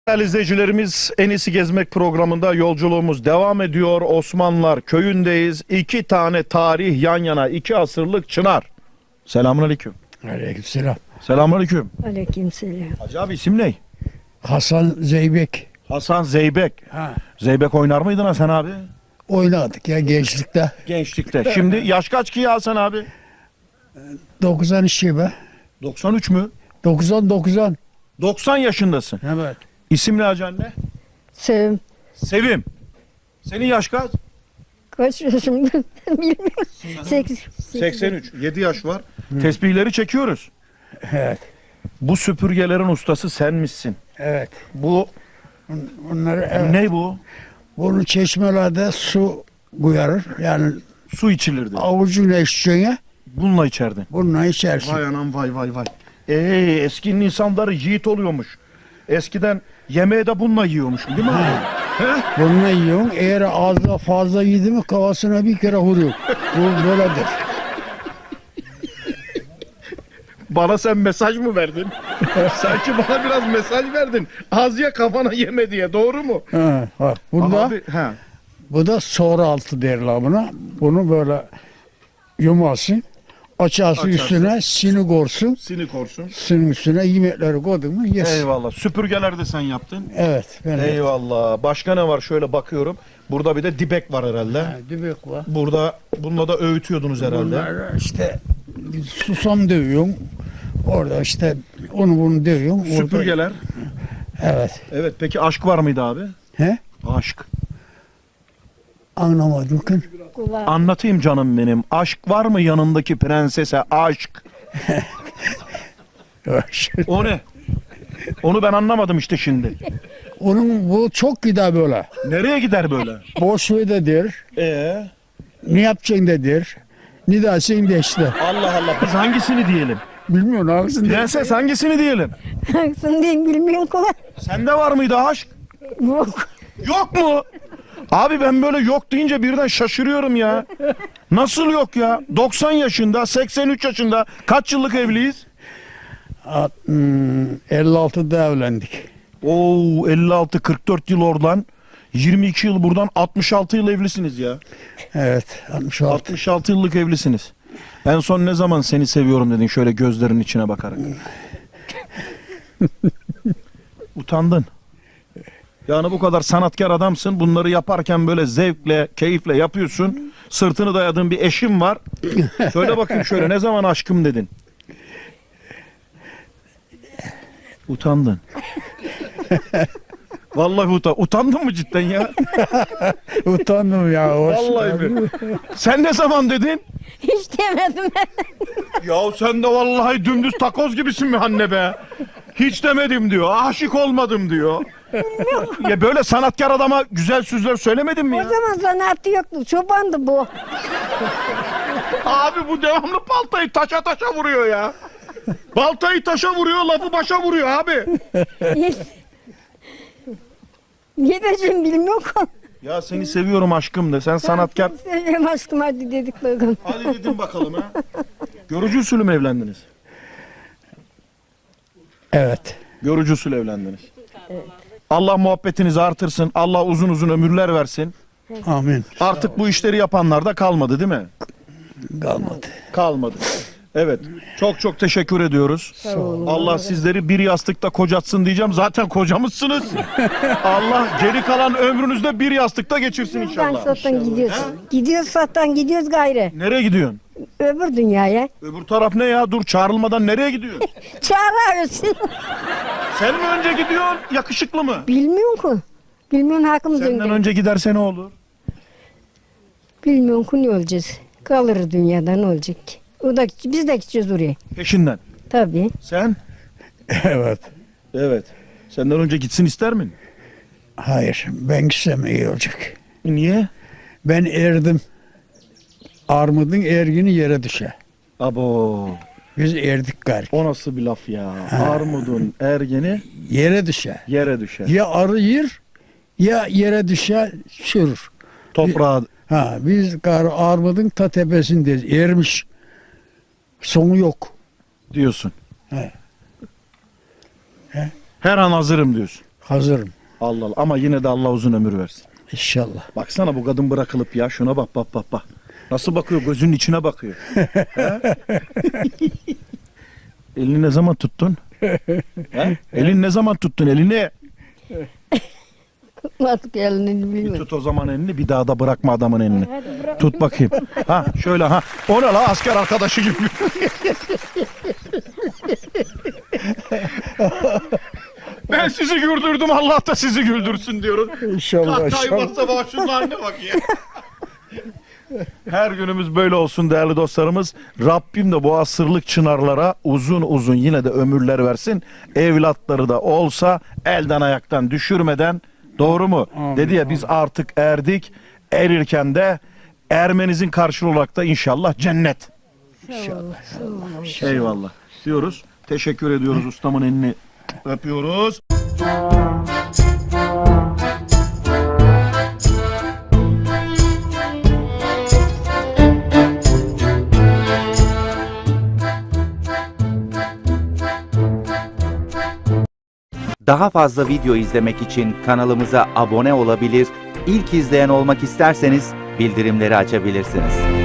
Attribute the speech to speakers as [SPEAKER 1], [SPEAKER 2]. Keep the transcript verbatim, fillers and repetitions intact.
[SPEAKER 1] Değerli izleyicilerimiz, En İyisi Gezmek programında yolculuğumuz devam ediyor. Osmanlılar köyündeyiz. İki tane tarih yan yana, iki asırlık çınar. Selamünaleyküm.
[SPEAKER 2] Aleykümselam.
[SPEAKER 1] Selamünaleyküm.
[SPEAKER 3] Aleykümselam.
[SPEAKER 1] Hacı abi isim ne?
[SPEAKER 2] Hasan Zeybek.
[SPEAKER 1] Hasan Zeybek.
[SPEAKER 2] Ha.
[SPEAKER 1] Zeybek oynar mıydın Hasan abi?
[SPEAKER 2] Oynadık ya gençlikte.
[SPEAKER 1] Gençlikte. Şimdi yaş kaç ki ya Hasan abi?
[SPEAKER 2] doksan iki be.
[SPEAKER 1] doksan üç mü?
[SPEAKER 2] doksan doksan.
[SPEAKER 1] doksan yaşındasın.
[SPEAKER 2] Evet.
[SPEAKER 1] İsim ne hacı anne?
[SPEAKER 3] Sevim.
[SPEAKER 1] Sevim. Senin yaş kaç?
[SPEAKER 3] Kaç yaşımda bilmiyorum. Sekiz.
[SPEAKER 1] seksen üç. yedi yaş var. Tesbihleri çekiyoruz.
[SPEAKER 2] Evet.
[SPEAKER 1] Bu süpürgelerin ustası sen misin?
[SPEAKER 2] Evet.
[SPEAKER 1] Bu
[SPEAKER 2] Bunları evet.
[SPEAKER 1] ne bu?
[SPEAKER 2] Bunu çeşmelerde su koyarır. Yani
[SPEAKER 1] Su içilirdi.
[SPEAKER 2] avucuna içeceğine
[SPEAKER 1] Bununla içerdin.
[SPEAKER 2] bununla içersin.
[SPEAKER 1] Vay anam vay vay vay. Ee, eskinin insanları yiğit oluyormuş. Eskiden yemeği de bununla yiyormuş değil mi? He?
[SPEAKER 2] Bununla yiyorsun. Eğer ağzına fazla yedi mi kafasına bir kere vuruyor. Bu böyledir.
[SPEAKER 1] Bana sen mesaj mı verdin? Sanki bana biraz mesaj verdin. Az ye kafana yeme diye, doğru mu?
[SPEAKER 2] Ha, bak. Bunda,
[SPEAKER 1] Abi, he.
[SPEAKER 2] bu da sonra altı derler buna. Bunu böyle yumasın. Açarsın
[SPEAKER 1] Açarsın.
[SPEAKER 2] üstüne sini korsun.
[SPEAKER 1] Sinik olsun.
[SPEAKER 2] Sinin üstüne yemekleri koydun mu yes.
[SPEAKER 1] Eyvallah. Süpürgeler de sen yaptın.
[SPEAKER 2] Evet. Ben de-
[SPEAKER 1] Eyvallah. Başka ne var? Şöyle bakıyorum. Burada bir de dibek var herhalde.
[SPEAKER 2] Ha, dübek var.
[SPEAKER 1] Burada bununla da öğütüyordunuz herhalde.
[SPEAKER 2] Bunlar işte susam dövüyorsun. Orada işte onu bunu dövüyorsun. Orada-
[SPEAKER 1] Süpürgeler.
[SPEAKER 2] Evet.
[SPEAKER 1] Evet, peki aşk var mıydı abi?
[SPEAKER 2] He?
[SPEAKER 1] Aşk.
[SPEAKER 2] Anlamadım ki.
[SPEAKER 3] Kulağı.
[SPEAKER 1] Anlatayım canım benim. Aşk var mı yanındaki prensese? Aşk. O ne? Onu ben anlamadım işte şimdi.
[SPEAKER 2] Onun bu çok gider böyle.
[SPEAKER 1] Nereye gider böyle?
[SPEAKER 2] Boş ver de der.
[SPEAKER 1] Ee,
[SPEAKER 2] Ne yapacaksın de der. Ne dersin de işte.
[SPEAKER 1] Allah Allah. Biz hangisini diyelim?
[SPEAKER 2] Bilmiyorum hangisini de.
[SPEAKER 1] Prenses hangisini diyelim?
[SPEAKER 3] Haksın diye bilmiyorum kolay.
[SPEAKER 1] Sende var mıydı aşk?
[SPEAKER 3] Yok.
[SPEAKER 1] Yok mu? Abi ben böyle yok deyince birden şaşırıyorum ya. Nasıl yok ya? doksan yaşında, seksen üç yaşında. Kaç yıllık evliyiz?
[SPEAKER 2] At- hmm, elli altıda evlendik.
[SPEAKER 1] Oo, elli altı kırk dört yıl oradan. yirmi iki yıl buradan, altmış altı yıl evlisiniz ya.
[SPEAKER 2] Evet. altmış altı.
[SPEAKER 1] altmış altı yıllık evlisiniz. En son ne zaman seni seviyorum dedin şöyle gözlerinin içine bakarak? Utandın. Yani bu kadar sanatkar adamsın. Bunları yaparken böyle zevkle, keyifle yapıyorsun. Sırtını dayadığın bir eşim var. Söyle bakayım şöyle, ne zaman aşkım dedin? Utandın. Vallahi utan. Utandın mı cidden ya?
[SPEAKER 2] Utandım ya. Hoş
[SPEAKER 1] Vallahi mi? Sen ne zaman dedin?
[SPEAKER 3] Hiç demedim ben.
[SPEAKER 1] Ya sen de vallahi dümdüz takoz gibisin mi anne be? Hiç demedim diyor. Aşık olmadım diyor. Ya böyle sanatkar adama güzel sözler söylemedin mi
[SPEAKER 3] O
[SPEAKER 1] ya?
[SPEAKER 3] zaman zanaatı yoktu. Çobandı bu.
[SPEAKER 1] Abi bu devamlı baltayı taşa taşa vuruyor ya. Baltayı taşa vuruyor, lafı başa vuruyor abi.
[SPEAKER 3] Hiç. Ne diyeceğim bilmiyorum.
[SPEAKER 1] Ya seni seviyorum aşkım de. Sen sanatkar.
[SPEAKER 3] Seviyorum aşkım hadi dedik bakalım.
[SPEAKER 1] Hadi dedim bakalım ha. Görücü usulü mü evlendiniz?
[SPEAKER 2] Evet.
[SPEAKER 1] Görücü usulü evlendiniz. Allah muhabbetinizi artırsın. Allah uzun uzun ömürler versin.
[SPEAKER 2] Amin.
[SPEAKER 1] Artık bu işleri yapanlar da kalmadı değil mi?
[SPEAKER 2] Kalmadı.
[SPEAKER 1] Kalmadı. Evet. Çok çok teşekkür ediyoruz.
[SPEAKER 3] Sağ olun.
[SPEAKER 1] Allah sizleri bir yastıkta kocatsın diyeceğim. Zaten kocamışsınız. Allah geri kalan ömrünüzde bir yastıkta geçirsin
[SPEAKER 3] Ben
[SPEAKER 1] inşallah.
[SPEAKER 3] sattan gidiyoruz. Gidiyoruz sattan gidiyoruz gayrı.
[SPEAKER 1] Nereye gidiyorsun?
[SPEAKER 3] Öbür dünyaya.
[SPEAKER 1] Öbür taraf ne ya? Dur, çağrılmadan nereye gidiyorsun?
[SPEAKER 3] Çağırıyoruz.
[SPEAKER 1] Sen mi önce gidiyorsun? Yakışıklı mı?
[SPEAKER 3] Bilmiyorum ki. Bilmiyorum hakkımız
[SPEAKER 1] Senden
[SPEAKER 3] önde.
[SPEAKER 1] önce giderse ne olur?
[SPEAKER 3] Bilmiyorum ki ne olacağız. Kalırız dünyada ne olacak ki? O da, biz de gideceğiz oraya.
[SPEAKER 1] Peşinden.
[SPEAKER 3] Tabii.
[SPEAKER 1] Sen?
[SPEAKER 2] Evet.
[SPEAKER 1] Evet. Senden önce gitsin ister mi?
[SPEAKER 2] Hayır. Ben gitsem iyi olacak.
[SPEAKER 1] Niye?
[SPEAKER 2] Ben erdim. Armudun ergini yere düşer.
[SPEAKER 1] Abo.
[SPEAKER 2] Biz erdik gari.
[SPEAKER 1] O nasıl bir laf ya? Armudun ergeni
[SPEAKER 2] Yere düşer.
[SPEAKER 1] yere düşer.
[SPEAKER 2] Ya arı yer ya yere düşer çürür.
[SPEAKER 1] Toprağa.
[SPEAKER 2] Ha biz gar armudun ta tepesindeyiz. Ermiş. Sonu yok.
[SPEAKER 1] Diyorsun.
[SPEAKER 2] He.
[SPEAKER 1] Her an hazırım diyorsun.
[SPEAKER 2] Hazırım.
[SPEAKER 1] Allah Allah. Ama yine de Allah uzun ömür versin.
[SPEAKER 2] İnşallah.
[SPEAKER 1] Baksana bu kadın bırakılıp ya. Şuna bak bak bak bak. Nasıl bakıyor? Gözünün içine bakıyor. He? Elini ne zaman tuttun? He? Elini ne zaman tuttun? Elini.
[SPEAKER 3] Nasıl geldiğini
[SPEAKER 1] Bir
[SPEAKER 3] bilmiyorum.
[SPEAKER 1] tut o zaman elini. Bir daha da bırakma adamın elini. Tut bakayım. Ha şöyle ha. O ne la asker arkadaşı gibi. Ben sizi güldürdüm. Allah da sizi güldürsün diyoruz.
[SPEAKER 2] İnşallah.
[SPEAKER 1] Hakkı
[SPEAKER 2] inşallah.
[SPEAKER 1] varsa bak şunun haline bak ya. Her günümüz böyle olsun değerli dostlarımız. Rabbim de bu asırlık çınarlara uzun uzun yine de ömürler versin. Evlatları da olsa elden ayaktan düşürmeden, doğru mu?
[SPEAKER 2] Amin,
[SPEAKER 1] Dedi ya biz artık erdik. Erirken de ermenizin karşılığı olarak da inşallah cennet.
[SPEAKER 2] İnşallah.
[SPEAKER 1] Eyvallah diyoruz. Teşekkür ediyoruz, ustamın elini öpüyoruz.
[SPEAKER 4] Daha fazla video izlemek için kanalımıza abone olabilir, ilk izleyen olmak isterseniz bildirimleri açabilirsiniz.